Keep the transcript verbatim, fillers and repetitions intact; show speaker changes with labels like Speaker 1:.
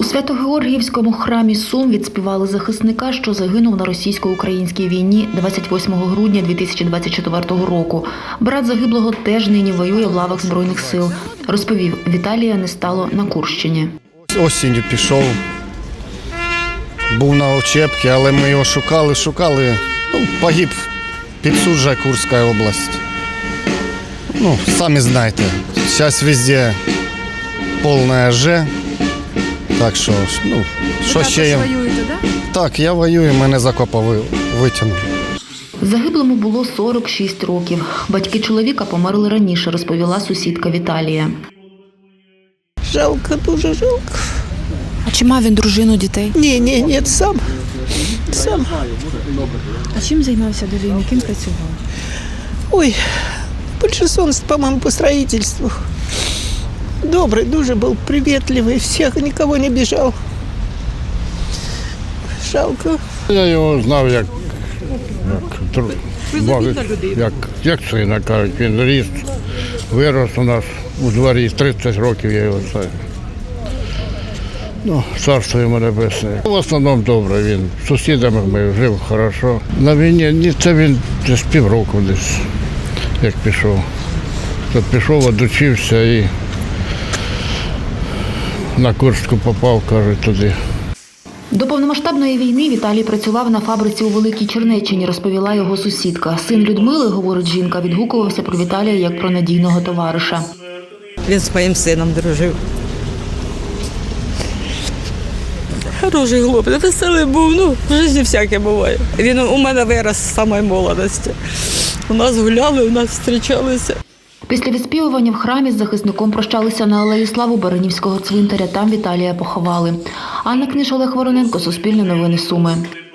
Speaker 1: Свято-Георгіївському храмі Сум відспівали захисника, що загинув на російсько-українській війні двадцять восьмого грудня дві тисячі двадцять четвертого року. Брат загиблого теж нині воює в лавах Збройних сил. Розповів, Віталія не стало на Курщині.
Speaker 2: Осінню пішов, був на учебці, але ми його шукали, шукали. Ну, погиб під Суджа, Курська область. Ну, самі знаєте, зараз везде повна Ж. Так що, ну, що ще я...
Speaker 3: воюєте, так?
Speaker 2: Так, я воюю, мене з окопа витягнули.
Speaker 1: Загиблому було сорок шість років. Батьки чоловіка померли раніше, розповіла сусідка Віталія.
Speaker 4: Жалко, дуже жалко.
Speaker 3: А чи мав він дружину, дітей?
Speaker 4: Ні, ні, ні, сам. Сам.
Speaker 3: А чим займався до війни? Ким працював?
Speaker 4: Ой, большинство, по-моему, по строительству. Добрый, дуже был привітливий, всіх, нікого не біжав. Жалко.
Speaker 5: Я його знав як, як, як, як сина, кажуть, він ріс, вирос у нас у дворі, тридцять років я його знаю. Ну, царство йому небесне. В основному добре, він з сусідами ми жив добре. На війні, ні, це він десь півроку десь, як пішов. Тут пішов, одучився і на Курську попав, кажуть, туди.
Speaker 1: До повномасштабної війни Віталій працював на фабриці у Великій Чернеччині, розповіла його сусідка. Син Людмили, говорить жінка, відгукувався про Віталія як про надійного товариша.
Speaker 6: Він з моїм сином дружив. Хороший хлопець, веселий був, ну, в житті всяке буває. Він у мене вирос з самої молодості. У нас гуляли, у нас зустрічалися.
Speaker 1: Після відспівування в храмі з захисником прощалися на алеї Слави Баранівського цвинтаря. Там Віталія поховали. Анна Книж, Олег Вороненко, Суспільне новини Суми.